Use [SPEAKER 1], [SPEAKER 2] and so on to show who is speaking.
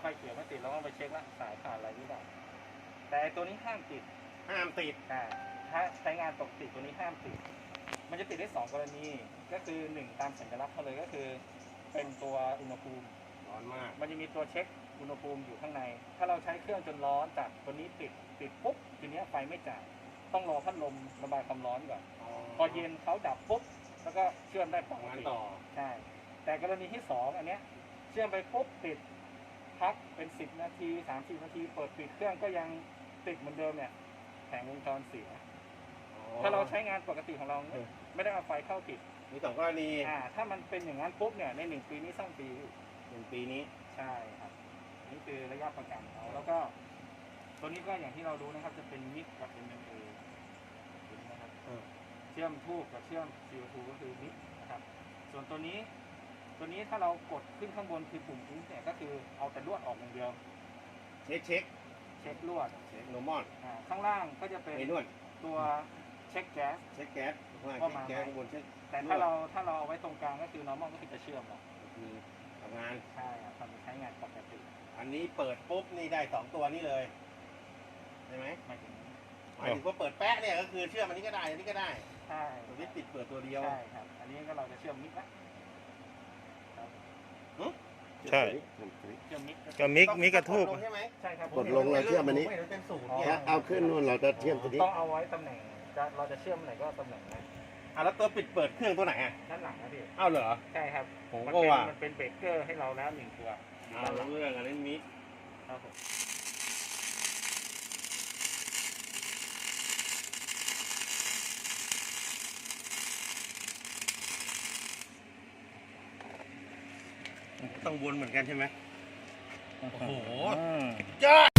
[SPEAKER 1] เขียวไม่ติดเราต้องไปเช็คละสายขาดอะไรหรือเปล่าแต่ตัวนี้ห้ามติด
[SPEAKER 2] ห้ามติด
[SPEAKER 1] ถ้าใช้งานปกติตัวนี้ห้ามติดมันจะติดได้2 กรณีก็คือ1ตามสัญลักษณ์เขาเลยก็คือเป็นตัวอุณหภูมิ
[SPEAKER 2] ร้อนมาก
[SPEAKER 1] มันจะมีตัวเช็คอุณหภูมิอยู่ข้างในถ้าเราใช้เครื่องจนร้อนจากตัวนี้ติดปุ๊บทีนี้ไฟไม่จ่ายต้องรอพัดลมระบายความร้อนก่อนพอเย็นเขาดับปุ๊บแล้วก็เชื่อมได้ปก
[SPEAKER 2] งาน
[SPEAKER 1] ติ
[SPEAKER 2] ต่อ
[SPEAKER 1] ใช่แต่กรณีที่2อันเนี้ยเชื่อมไปปุ๊บติดพักเป็น10 นาที30 นาทีเปิดปิดเครื่องก็ยังติดเหมือนเดิมเนี่ยแผงวงจรเสียถ้าเราใช้งานปกติของเราไม่ได้เอาไฟเข้าติด
[SPEAKER 2] มี2 กรณี
[SPEAKER 1] ถ้ามันเป็นอย่างนั้นปุ๊บเนี่ยใน1 ปีนี้ซ่อมฟรี
[SPEAKER 2] 1 ปีนี้
[SPEAKER 1] ใช่ครับนี่คือระยะประกันเขาแล้วก็ตัวนี้ก็อย่างที่เรารู้นะครับจะเป็นมิกกับ MMA ตัวนี้นะครับเชื่อมทูบกับเชื่อม CO2 ก็คือมิกนะครับส่วนตัวนี้ถ้าเรากดขึ้นข้างบนคือปุ่มอินเนี่ยก็คือเอาแต่ลวดออกอย่างเดียว
[SPEAKER 2] เช็ค
[SPEAKER 1] เช็คลวด
[SPEAKER 2] โนมอน
[SPEAKER 1] ข้างล่างก็จะเป็น
[SPEAKER 2] ไอ้นวด
[SPEAKER 1] ตัวเช็คแก๊ส
[SPEAKER 2] เช็คแก๊สว่า
[SPEAKER 1] ว่า
[SPEAKER 2] เช็ค
[SPEAKER 1] มา
[SPEAKER 2] แก๊สข้างบนเช็ค
[SPEAKER 1] แต่ถ้าเราเอาไว้ตรงกลางก็คือ normal ก็คือจะเชื่อมเรา
[SPEAKER 2] มีทำงาน
[SPEAKER 1] ใช่ครับทำใช้งานปกติ
[SPEAKER 2] อันนี้เปิดปุ๊บนี่ได้2 ตัวนี้เลยใช่ไหม
[SPEAKER 1] ไม่ถึง
[SPEAKER 2] หมายถึงว่าเปิดแป๊ะเนี่ยก็คือเชื่อมอันนี้ก็ได้อันนี้ก็ได้
[SPEAKER 1] ใช่
[SPEAKER 2] ตัวนี้ปิดเปิดตัวเดียว
[SPEAKER 1] ใช่ครับอันนี้ก็เราจะเชื่อมมิกละ
[SPEAKER 3] ใช่
[SPEAKER 1] เชื่อมมิก
[SPEAKER 3] ก็มิกกระทูบ
[SPEAKER 2] ต้องกดลงใช่ไหม
[SPEAKER 1] ใช่ครับ
[SPEAKER 4] กดลงแล้วเชื่อมอันนี้
[SPEAKER 2] ไม่เห็เป็นศูนย์
[SPEAKER 4] ถ้าเอาขึ้นนู่นเราจะเชื่อมตัวนี้
[SPEAKER 1] ต้องเอาไว้ตำแหน่งเราจะเชื่อมไหนก็ตำแหน่งนั้น
[SPEAKER 2] แล้วตัวปิดเปิดเครื่องตัวไหนอ่ะ
[SPEAKER 1] ด้านหลังนะพี่
[SPEAKER 2] อ้าวเหรอ
[SPEAKER 1] ใช่ครับ
[SPEAKER 2] ผม
[SPEAKER 1] มัน
[SPEAKER 2] ก็
[SPEAKER 1] เป็น
[SPEAKER 2] ว่า
[SPEAKER 1] มันเป็นเบรกเกอร์ให้เราแล้ว1 ตัว
[SPEAKER 2] เอาเรื่องอันนี้มิก
[SPEAKER 1] ครับผม
[SPEAKER 2] ต้องวนเหมือนกันใช่ไหมโอ้โห
[SPEAKER 1] อืม
[SPEAKER 2] ยอด